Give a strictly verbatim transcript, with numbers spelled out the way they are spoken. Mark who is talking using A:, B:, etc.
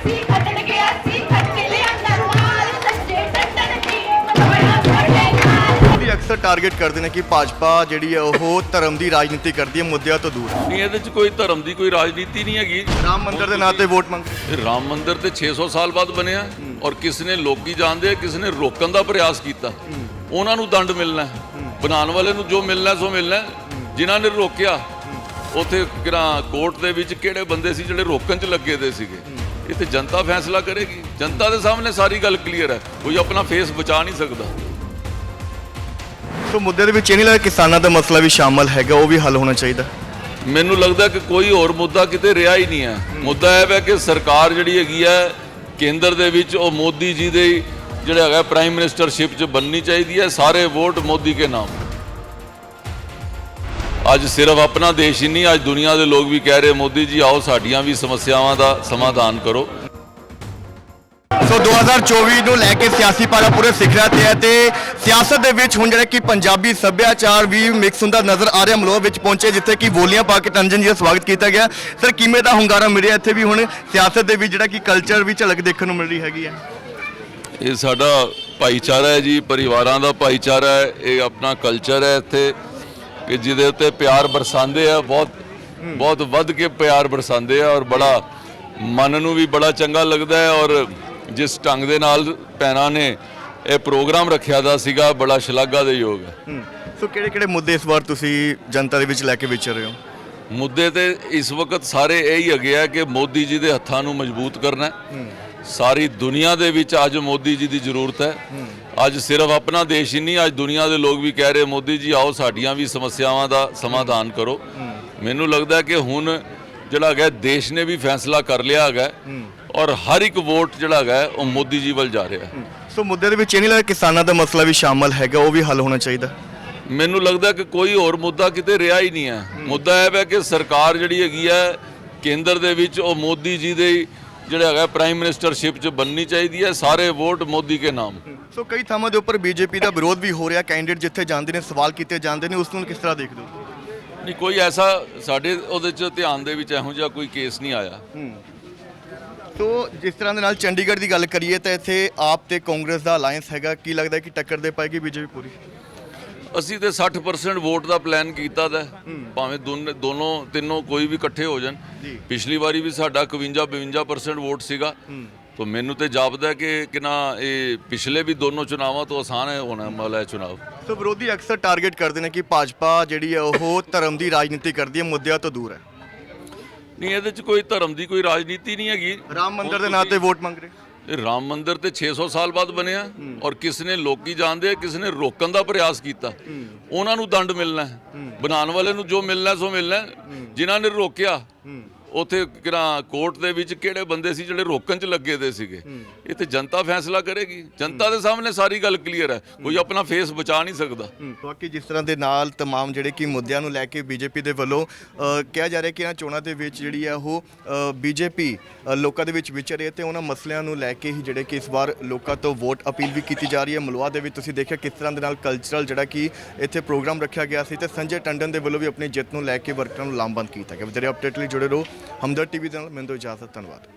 A: अक्सर टारगेट करते हैं कि भाजपा जी है वो धर्म की राजनीति करती है, मुद्दों तो दूर
B: नहीं ये कोई धर्म की कोई राजनीति नहीं हैगी।
A: राम मंदिर के नाते वोट मंग
B: राम मंदिर तो छे सौ साल बाद बनया और किसी ने लोग जानते किसी ने रोकन का प्रयास किया, उन्होंने दंड मिलना है, बनाने वाले जो मिलना सो मिलना है। जिन्होंने रोकया उत्थे कोर्ट के विच किहड़े बंदे सी जिहड़े रोकन च लगे दे सीगे, ये तो जनता फैसला करेगी। जनता के सामने सारी गल क्लीयर है, कोई अपना फेस बचा नहीं सकता।
A: तो मुद्दे ਦੇ ਵਿੱਚ ਇਹ ਨਹੀਂ ਲੱਗਦਾ ਕਿਸਾਨਾਂ ਦਾ ਮਸਲਾ ਵੀ ਸ਼ਾਮਲ ਹੈਗਾ, ਉਹ ਵੀ ਹੱਲ ਹੋਣਾ ਚਾਹੀਦਾ।
B: ਮੈਨੂੰ ਲੱਗਦਾ ਕਿ ਕੋਈ ਹੋਰ ਮੁੱਦਾ ਕਿਤੇ ਰਿਹਾ ਹੀ ਨਹੀਂ ਹੈ। ਮੁੱਦਾ ਇਹ ਹੈ ਕਿ ਸਰਕਾਰ ਜਿਹੜੀ ਹੈਗੀ ਹੈ ਕੇਂਦਰ ਦੇ ਵਿੱਚ ਉਹ ਮੋਦੀ ਜੀ ਦੇ ਜਿਹੜਾ ਹੈਗਾ ਪ੍ਰਾਈਮ ਮਿਨਿਸਟਰਸ਼ਿਪ 'ਚ ਬਣਨੀ ਚਾਹੀਦੀ ਹੈ। ਸਾਰੇ ਵੋਟ ਮੋਦੀ ਕੇ ਨਾਮ। ਅੱਜ ਸਿਰਫ ਆਪਣਾ ਦੇਸ਼ ਹੀ ਨਹੀਂ, ਅੱਜ ਦੁਨੀਆ ਦੇ ਲੋਕ ਵੀ ਕਹਿ ਰਹੇ ਮੋਦੀ ਜੀ ਆਓ ਸਾਡੀਆਂ ਵੀ ਸਮੱਸਿਆਵਾਂ ਦਾ ਸਮਾਧਾਨ ਕਰੋ।
A: ਸੋ ਦੋ ਹਜ਼ਾਰ ਚੌਵੀ ਨੂੰ ਲੈ ਕੇ ਸਿਆਸੀ ਪਾਰਾ ਪੂਰੇ ਸਿਖਰਾਂ ਤੇ ਹੈ ਤੇ ਸਿਆਸਤ ਦੇ ਵਿੱਚ ਹੁਣ ਜਿਹੜਾ ਕਿ ਪੰਜਾਬੀ ਸੱਭਿਆਚਾਰ ਵੀ ਮਿਕਸ ਹੁੰਦਾ ਨਜ਼ਰ ਆ ਰਿਹਾ। ਮਲੋਹ ਵਿੱਚ ਪਹੁੰਚੇ ਜਿੱਥੇ ਕਿ ਬੋਲੀਆਂ ਪਾ ਕੇ ਟੰਜਨ ਜੀ ਦਾ ਸਵਾਗਤ ਕੀਤਾ ਗਿਆ। ਸਰ ਕਿਵੇਂ ਦਾ ਹੁੰਗਾਰਾ ਮਿਲਿਆ ਇੱਥੇ ਵੀ ਹੁਣ ਸਿਆਸਤ ਦੇ ਵਿੱਚ ਜਿਹੜਾ ਕਿ ਕਲਚਰ ਵੀ ਝਲਕ ਦੇਖਣ ਨੂੰ ਮਿਲ ਰਹੀ ਹੈਗੀ ਹੈ।
B: ਇਹ ਸਾਡਾ ਭਾਈਚਾਰਾ ਹੈ ਜੀ, ਪਰਿਵਾਰਾਂ ਦਾ ਭਾਈਚਾਰਾ ਹੈ, ਇਹ ਆਪਣਾ ਕਲਚਰ ਹੈ ਇੱਥੇ ਕਿ ਜਿਹਦੇ ਉੱਤੇ ਪਿਆਰ ਬਰਸਾਉਂਦੇ ਆ, ਬਹੁਤ ਬਹੁਤ ਵੱਧ ਕੇ ਪਿਆਰ ਬਰਸਾਉਂਦੇ ਆ ਔਰ ਬੜਾ ਮਨ ਨੂੰ ਵੀ ਬੜਾ ਚੰਗਾ ਲੱਗਦਾ ਹੈ। ਔਰ ਜਿਸ ਢੰਗ ਦੇ ਨਾਲ ਭੈਣਾਂ ਨੇ ਇਹ ਪ੍ਰੋਗਰਾਮ ਰੱਖਿਆ ਦਾ ਸੀਗਾ ਬੜਾ ਸ਼ਲਾਘਾ ਦੇ ਯੋਗ ਹੈ।
A: ਸੋ ਕਿਹੜੇ ਕਿਹੜੇ ਮੁੱਦੇ ਇਸ ਵਾਰ ਤੁਸੀਂ ਜਨਤਾ ਦੇ ਵਿੱਚ ਲੈ ਕੇ ਵਿਚਰ ਰਹੇ ਹੋ?
B: ਮੁੱਦੇ ਤੇ ਇਸ ਵਕਤ ਸਾਰੇ ਇਹ ਹੀ ਹੈਗੇ ਆ ਕਿ ਮੋਦੀ ਜੀ ਦੇ ਹੱਥਾਂ ਨੂੰ ਮਜ਼ਬੂਤ ਕਰਨਾ ਹੈ। ਸਾਰੀ ਦੁਨੀਆ ਦੇ ਵਿੱਚ ਅੱਜ ਮੋਦੀ ਜੀ ਦੀ ਜ਼ਰੂਰਤ ਹੈ। ਅੱਜ ਸਿਰਫ ਆਪਣਾ ਦੇਸ਼ ਹੀ ਨਹੀਂ, ਅੱਜ ਦੁਨੀਆ ਦੇ ਲੋਕ ਵੀ ਕਹਿ ਰਹੇ ਮੋਦੀ ਜੀ ਆਓ ਸਾਡੀਆਂ ਵੀ ਸਮੱਸਿਆਵਾਂ ਦਾ ਸਮਾਧਾਨ ਕਰੋ। ਮੈਨੂੰ ਲੱਗਦਾ ਕਿ ਹੁਣ ਜਿਹੜਾ ਹੈਗਾ ਦੇਸ਼ ਨੇ ਵੀ ਫੈਸਲਾ ਕਰ ਲਿਆ ਹੈਗਾ ਔਰ ਹਰ ਇੱਕ ਵੋਟ ਜਿਹੜਾ ਹੈਗਾ ਉਹ ਮੋਦੀ ਜੀ ਵੱਲ ਜਾ ਰਿਹਾ ਹੈ।
A: ਸੋ ਮੁੱਦੇ ਦੇ ਵਿੱਚ ਇਹ ਨਹੀਂ ਲੱਗਦਾ ਕਿਸਾਨਾਂ ਦਾ ਮਸਲਾ ਵੀ ਸ਼ਾਮਲ ਹੈਗਾ, ਉਹ ਵੀ ਹੱਲ ਹੋਣਾ ਚਾਹੀਦਾ।
B: ਮੈਨੂੰ ਲੱਗਦਾ ਕਿ ਕੋਈ ਹੋਰ ਮੁੱਦਾ ਕਿਤੇ ਰਿਹਾ ਹੀ ਨਹੀਂ ਹੈ। ਮੁੱਦਾ ਇਹ ਹੈ ਕਿ ਸਰਕਾਰ ਜਿਹੜੀ ਹੈਗੀ ਹੈ ਕੇਂਦਰ ਦੇ ਵਿੱਚ ਉਹ ਮੋਦੀ ਜੀ ਦੇ ਜਿਹੜਾ ਹੈਗਾ ਪ੍ਰਾਈਮ ਮਿਨਿਸਟਰਸ਼ਿਪ 'ਚ ਬਣਨੀ ਚਾਹੀਦੀ ਹੈ। ਸਾਰੇ ਵੋਟ ਮੋਦੀ ਕੇ ਨਾਮ।
A: ਸੋ ਕਈ ਥਾਵਾਂ ਦੇ ਉੱਪਰ ਬੀਜੇਪੀ ਦਾ ਵਿਰੋਧ ਵੀ ਹੋ ਰਿਹਾ, ਕੈਂਡੀਡੇਟ ਜਿੱਥੇ ਜਾਂਦੇ ਨੇ ਸਵਾਲ ਕੀਤੇ ਜਾਂਦੇ ਨੇ, ਉਸ ਨੂੰ ਕਿਸ ਤਰ੍ਹਾਂ ਦੇਖਦੇ ਹੋ?
B: ਨਹੀਂ ਕੋਈ ਐਸਾ ਸਾਡੇ ਉਹਦੇ 'ਚ ਧਿਆਨ ਦੇ ਵਿੱਚ ਇਹੋ ਜਿਹਾ ਕੋਈ ਕੇਸ ਨਹੀਂ ਆਇਆ।
A: ਸੋ ਜਿਸ ਤਰ੍ਹਾਂ ਦੇ ਨਾਲ ਚੰਡੀਗੜ੍ਹ ਦੀ ਗੱਲ ਕਰੀਏ ਤਾਂ ਇੱਥੇ ਆਪ ਤੇ ਕਾਂਗਰਸ ਦਾ ਅਲਾਈਅੰਸ ਹੈਗਾ, ਕੀ ਲੱਗਦਾ ਕਿ ਟੱਕਰ ਦੇ ਪਾਏਗੀ ਬੀਜੇਪੀ ਪੂਰੀ?
B: ਅਸੀਂ ਤੇ ਸੱਠ ਪਰਸੈਂਟ ਵੋਟ ਦਾ ਪਲਾਨ ਕੀਤਾ ਦਾ, ਭਾਵੇਂ ਦੋਨੇ ਦੋਨੋਂ ਤਿੰਨੋਂ ਕੋਈ ਵੀ ਇਕੱਠੇ ਹੋ ਜਾਣ। ਪਿਛਲੀ ਵਾਰੀ ਵੀ ਸਾਡਾ ਇਕਵੰਜਾ ਬਵੰਜਾ ਪਰਸੈਂਟ ਵੋਟ ਸੀਗਾ। ਤਾਂ ਮੈਨੂੰ ਤੇ ਜਾਪਦਾ ਕਿ ਕਿਨਾ ਇਹ ਪਿਛਲੇ ਵੀ ਦੋਨੋਂ ਚੁਣਾਵਾਂ ਤੋਂ ਆਸਾਨ ਹੈ ਹੋਣਾ ਵਾਲਾ ਚੁਣਾਵ।
A: ਸੋ ਵਿਰੋਧੀ ਅਕਸਰ ਟਾਰਗੇਟ ਕਰਦੇ ਨੇ ਕਿ ਭਾਜਪਾ ਜਿਹੜੀ ਹੈ ਉਹ ਧਰਮ ਦੀ ਰਾਜਨੀਤੀ ਕਰਦੀ ਹੈ, ਮੁੱਦਿਆਂ ਤੋਂ ਦੂਰ ਹੈ।
B: ਨਹੀਂ ਇਹਦੇ 'ਚ ਕੋਈ ਧਰਮ ਦੀ ਕੋਈ ਰਾਜਨੀਤੀ ਨਹੀਂ ਹੈਗੀ।
A: ਰਾਮ ਮੰਦਿਰ ਦੇ ਨਾਂ ਤੇ ਵੋਟ ਮੰਗ ਰਹੇ।
B: ਇਹ ਰਾਮ ਮੰਦਿਰ ਤੇ ਛੇ ਸੌ ਸਾਲ ਬਾਅਦ ਬਣਿਆ ਔਰ ਕਿਸੇ ਨੇ ਲੋਕੀ ਜਾਣਦੇ ਕਿਸੇ ਨੇ ਰੋਕਣ ਦਾ ਪ੍ਰਯਾਸ ਕੀਤਾ, ਉਹਨਾਂ ਨੂੰ ਦੰਡ ਮਿਲਣਾ ਹੈ। ਬਣਾਉਣ ਵਾਲੇ ਨੂੰ ਜੋ ਮਿਲਣਾ ਸੋ ਮਿਲਣਾ। ਜਿਨ੍ਹਾਂ ਨੇ ਰੋਕਿਆ ਉੱਥੇ ਕੋਰਟ ਦੇ ਵਿੱਚ ਕਿਹੜੇ ਬੰਦੇ ਸੀ ਜਿਹੜੇ ਰੋਕਣ 'ਚ ਲੱਗੇ ਦੇ ਸੀਗੇ, ਇਹ ਤੇ ਜਨਤਾ ਫੈਸਲਾ ਕਰੇਗੀ। ਜਨਤਾ ਦੇ ਸਾਹਮਣੇ ਸਾਰੀ ਗੱਲ ਕਲੀਅਰ ਹੈ, ਕੋਈ ਆਪਣਾ ਫੇਸ ਬਚਾ ਨਹੀਂ ਸਕਦਾ।
A: ਬਾਕੀ ਜਿਸ ਤਰ੍ਹਾਂ ਦੇ ਨਾਲ ਤਮਾਮ ਜਿਹੜੇ ਕਿ ਮੁੱਦਿਆਂ ਨੂੰ ਲੈ ਕੇ ਬੀਜੇਪੀ ਦੇ ਵੱਲੋਂ ਕਿਹਾ ਜਾ ਰਿਹਾ ਕਿ ਇਹਨਾਂ ਚੋਣਾਂ ਦੇ ਵਿੱਚ ਜਿਹੜੀ ਹੈ ਉਹ ਬੀਜੇਪੀ ਲੋਕਾਂ ਦੇ ਵਿੱਚ ਵਿਚਰ ਰਹੀ ਹੈ ਤੇ ਉਹਨਾਂ ਮਸਲਿਆਂ ਨੂੰ ਲੈ ਕੇ ਹੀ ਜਿਹੜੇ ਕਿ ਇਸ ਵਾਰ ਲੋਕਾਂ ਤੋਂ ਵੋਟ ਅਪੀਲ ਵੀ ਕੀਤੀ ਜਾ ਰਹੀ ਹੈ। ਮਲਵਾ ਦੇ ਵਿੱਚ ਤੁਸੀਂ ਦੇਖਿਆ ਕਿਸ ਤਰ੍ਹਾਂ ਦੇ ਨਾਲ ਕਲਚਰਲ ਜਿਹੜਾ ਕਿ ਇੱਥੇ ਪ੍ਰੋਗਰਾਮ ਰੱਖਿਆ ਗਿਆ ਸੀ ਤੇ ਸੰਜੇ ਟੰਡਨ ਦੇ ਵੱਲੋਂ ਵੀ ਆਪਣੀ ਜਿੱਤ ਨੂੰ ਲੈ ਕੇ ਵਰਕਰਾਂ ਨੂੰ ਲਾਮਬੰਦ ਕੀਤਾ ਗਿਆ। ਵਧੇਰੇ ਅਪਡੇਟ ਲਈ ਜੁੜੇ ਰਹੋ ਹਮਦਰਦ ਟੀਵੀ ਦੇ ਨਾਲ। ਮੈਨੂੰ ਦਿਓ ਇਜਾਜ਼ਤ, ਧੰਨਵਾਦ।